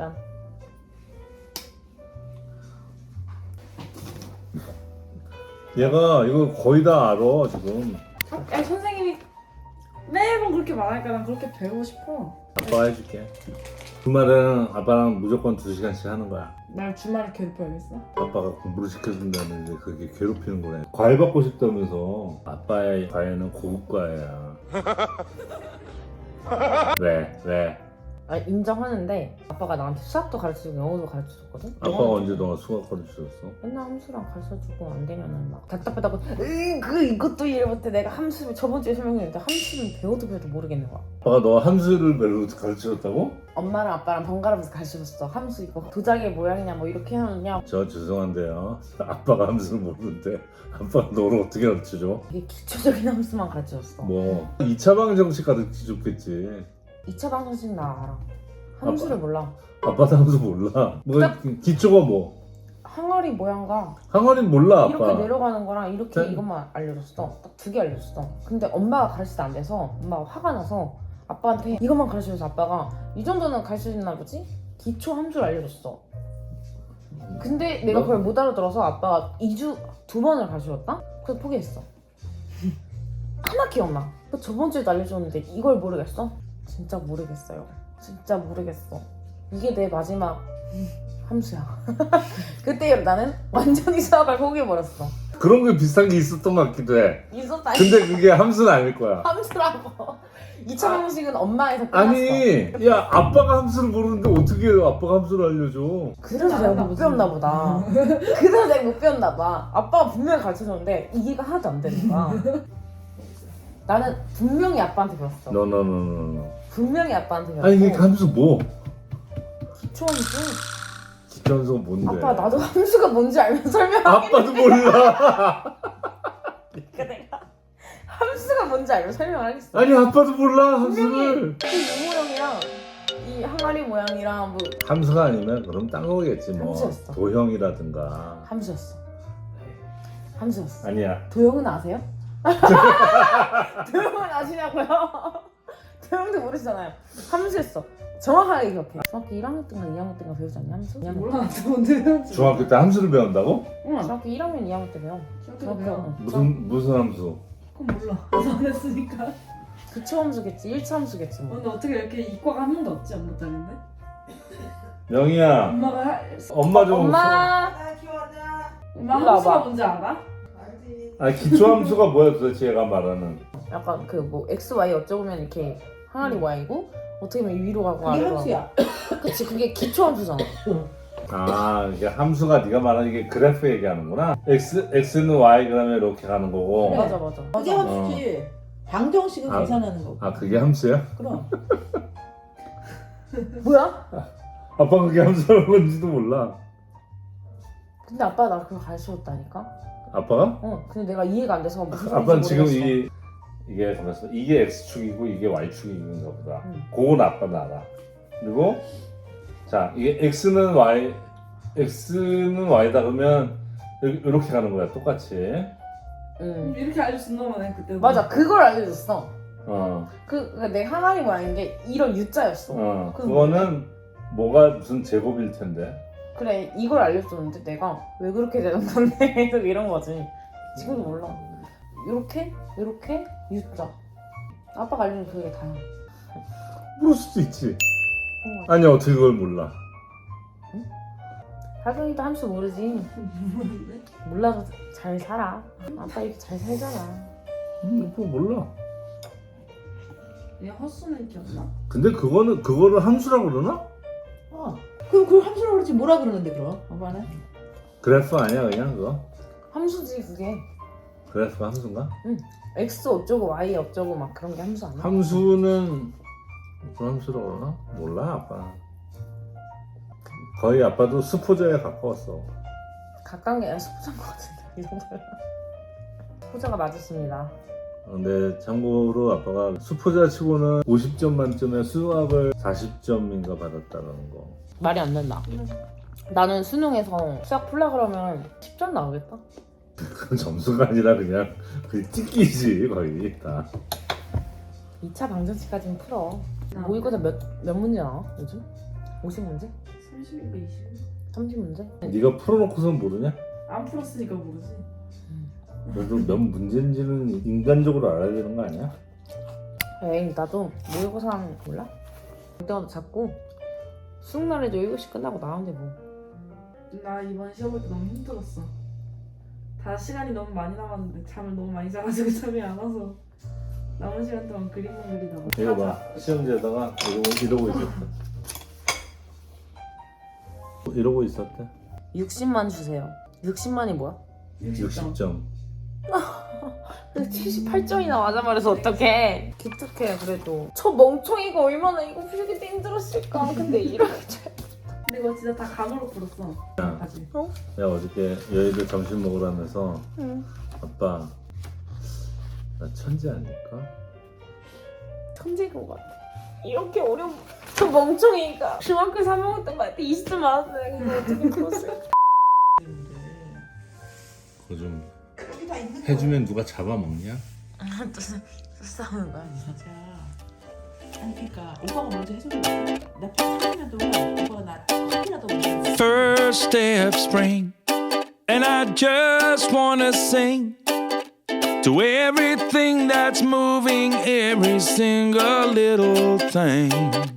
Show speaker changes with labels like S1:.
S1: 짠.
S2: 얘가 이거 거의 다 알아 지금.
S1: 야 선생님이 매번 그렇게 말하니까 난 그렇게 배우고 싶어.
S2: 아빠가 해줄게. 주말에는 아빠랑 무조건 2시간씩 하는 거야.
S1: 날 주말에 괴롭혀야겠어?
S2: 아빠가 공부를 시켜준다는데 그게 괴롭히는 거네. 과외 받고 싶다면서. 아빠의 과외는 고급 과외야. 왜?
S1: 아 인정하는데 아빠가 나한테 수학도 가르쳐주고 영어도 가르쳐줬거든?
S2: 아빠가 언제 너가 수학 가르쳐줬어?
S1: 맨날 함수랑 가르쳐주고 안 되면은 막 답답하다고 이것도 이해 못해. 내가 함수를 저번 주에 설명했는데 함수는 배워도 모르겠는 거야.
S2: 아빠가 너 함수를 별로 가르쳐줬다고?
S1: 엄마랑 아빠랑 번갈아가면서 가르쳐줬어. 함수 이거 도자기 모양이냐 뭐 이렇게 하느냐.
S2: 저 죄송한데요. 아빠가 함수를 모르는데 아빠가 너를 어떻게 가르쳐줘?
S1: 되게 기초적인 함수만 가르쳐줬어.
S2: 뭐 2차 방정식 가르쳐줬겠지.
S1: 2차 방정식 나 알아. 함수를 몰라.
S2: 아빠도 함수 몰라. 뭐 기초가 뭐?
S1: 항아리 모양과
S2: 항아리는 몰라 아빠.
S1: 이렇게 내려가는 거랑 이렇게
S2: 네.
S1: 이것만 알려줬어. 딱 2개 알려줬어. 근데 엄마가 가르칠 때 안 돼서 엄마가 화가 나서 아빠한테 이것만 가르쳐줘서 아빠가 이 정도는 가르쳐줬나 보지? 기초 함수를 알려줬어. 근데 내가 그걸 못 알아들어서 아빠가 2번을 가르쳐줬다? 그래서 포기했어. 하나 기억나. 저번 주에도 알려줬는데 이걸 모르겠어? 진짜 모르겠어요. 진짜 모르겠어. 이게 내 마지막 함수야. 그때 나는 완전히 수학을 포기해버렸어.
S2: 그런 게 비슷한 게 있었던 것 같기도 해.
S1: 있었다.
S2: 근데 그게 함수는 아닐 거야.
S1: 함수라고. 2차 방식은 엄마에서 끝났어.
S2: 아니, 야 아빠가 함수를 모르는데 어떻게 아빠가 함수를 알려줘?
S1: 그래서 내가 못 배웠나 보다. 그래서 내가 못 배웠나 봐. 아빠가 분명히 가르쳐줬는데 이해가 하나도 안 되는 거야. 나는 분명히 아빠한테 배웠어.
S2: No.
S1: 분명히 아빠한테 배웠어.
S2: 아니 이게 함수 뭐?
S1: 기초함수.
S2: 기초함수가 뭔데?
S1: 아빠 나도 함수가 뭔지 알면 설명하겠는데.
S2: 아빠도 몰라.
S1: 그러니까 내가 함수가 뭔지 알면 설명을 하겠어.
S2: 아니 아빠도 몰라 함수를.
S1: 이 모양이랑 이 항아리 모양이랑 뭐
S2: 함수가 아니면 그럼 딴 거겠지 뭐.
S1: 함수였어.
S2: 도형이라든가.
S1: 함수였어. 함수였어.
S2: 아니야.
S1: 도형은 아세요? 도형은 아시냐고요? 도형도 모르시잖아요. 함수였어. 정확하게 기억해. 중학교 1학년 때인가 2학년 때인가 배우지 않냐 함수?
S3: 몰라 나도 언제 배웠지?
S2: 중학교 때 함수를 배운다고?
S3: 응
S1: 중학교 1학년 2학년 때 배워.
S3: 중학교 때 배워.
S2: 무슨 함수?
S3: 그건 몰라 나도 안 했으니까.
S1: 기초 함수겠지. 1차 함수겠지 뭐.
S3: 근데 어떻게 이렇게 이과가 한 명도 없지 안 못하는데?
S2: 명희야.
S3: 엄마가
S2: 엄마 좀.
S1: 엄마.
S3: 엄마
S1: 일로
S3: 함수가
S1: 와봐.
S3: 뭔지 알아?
S2: 아 기초함수가 뭐야 도대체 얘가 말하는?
S1: 약간 그 뭐 x, y 어쩌면 이렇게 항아리 y고 어떻게 보면 위로 가고
S4: 그게
S1: 아래로 가고.
S4: 함수야.
S1: 그치 그게 기초 함수잖아.
S2: 아 이게 함수가 네가 말하는 이게 그래프 얘기하는구나. x는 y 그다음에 이렇게 가는 거고.
S4: 그래.
S1: 맞아.
S4: 그게 함수지. 방정식은
S2: 아.
S4: 계산하는 거고.
S2: 아 그게 함수야?
S4: 그럼.
S1: 뭐야?
S2: 아빠 그게 함수라는 건지도 몰라.
S1: 근데 아빠 나 그거 가르쳐줬다니까?
S2: 아빠가?
S1: 근데 내가 이해가 안 돼서 무슨
S2: 아빠는
S1: 소리인지
S2: 지금
S1: 모르겠어.
S2: 이게 가면서 이게 x축이고 이게 y축인가 보다.
S1: 응.
S2: 그건 아빠는 알아. 그리고 자 이게 x는 y다 그러면 이렇게 가는 거야 똑같이.
S1: 응.
S3: 이렇게 알려준단 말이야 그때.
S1: 맞아 그걸 알려줬어.
S2: 어.
S1: 그러니까 내 항아리 모양인 게 이런 U자였어.
S2: 그거는 뭐가 무슨 제곱일 텐데.
S1: 그래 이걸 알려줬는데 내가 왜 그렇게 되는 건데 계속 이런 거지. 지금도 몰라. 요렇게 U자. 아빠가 알려준 그게 다야.
S2: 모를 수도 있지. 아니 어떻게 그걸 몰라?
S1: 하경이도 함수 모르지. 몰라도 잘 살아. 아빠 이렇게 잘 살잖아.
S2: 그거 몰라.
S3: 얘 헛수는 기억나?
S2: 근데 그거를 함수라고 그러나?
S4: 그럼 그걸 함수라고 그러지 뭐라 그러는데 그럼? 아빠는?
S2: 그래프 아니야 그냥 그거?
S1: 함수지 그게.
S2: 그래프가 함수인가?
S1: X 어쩌고 Y 어쩌고 막 그런 게 함수 아니야?
S2: 함수는 무슨 함수라고 그러나? 몰라 아빠. 거의 아빠도 수포자에 가까웠어.
S1: 가까운 게 아니라 수포자인 것 같은데 이 정도면. 수포자가 맞았습니다.
S2: 근데 참고로 아빠가 수포자 치고는 50점 만점에 수학을 40점인가 받았다는 거.
S1: 말이 안 된다. 나는 수능에서 수학 풀라 그러면 10점 나오겠다.
S2: 그건 점수가 아니라 그냥 찍기지 거의 다.
S1: 2차 방정식까지는 풀어. 모의고사 몇 문제 나와 요즘? 50문제?
S3: 30인가 20인가?
S1: 30문제?
S2: 네가 풀어놓고선 모르냐?
S3: 안 풀었으니까 모르지.
S2: 그래도 몇 문제인지는 인간적으로 알아야 되는 거 아니야?
S1: 에이 나도 모의고사는 몰라? 그때마다 자꾸 수능 날에도 7시 끝나고 나오는데 뭐.
S3: 나 이번 시험 볼 때 너무 힘들었어. 다 시간이 너무 많이 남았는데 잠을 너무 많이 자가지고 잠이 안 와서 남은 시간 동안 그림만 그리다가
S2: 이거 봐, 시험지에다가 이러고 있었다. 이러고 있었대.
S1: 60만 주세요. 60만이 뭐야?
S2: 60점.
S1: 78점이나 맞아 말해서 어떡해. 기특해 그래도. 저 멍청이가 얼마나 이거 풀기 때 힘들었을까. 근데 이렇게 잘.
S3: 근데 이거 진짜 다 감으로 풀었어.
S2: 야.
S3: 까지.
S2: 내가 어저께 여의도 점심 먹으라면서
S1: 응.
S2: 아빠 나 천재 아닐까?
S1: 천재인 것 같아. 이렇게 어려운 저 멍청이가 중학교 3학년 때 말때 20점 맞았어요. 근데 어떻게 풀었을까?
S2: 그거 좀
S4: 여기 다 있는
S2: 해주면 누가 잡아먹냐?
S1: 또 싸우는 거야?
S4: 자, 아니 그러니까 오빠가 먼저 해줘야 돼. 나 8년 동안 오빠가 나 학이라도 먼저.
S5: First day of spring, and I just wanna sing to everything that's moving, every single little thing.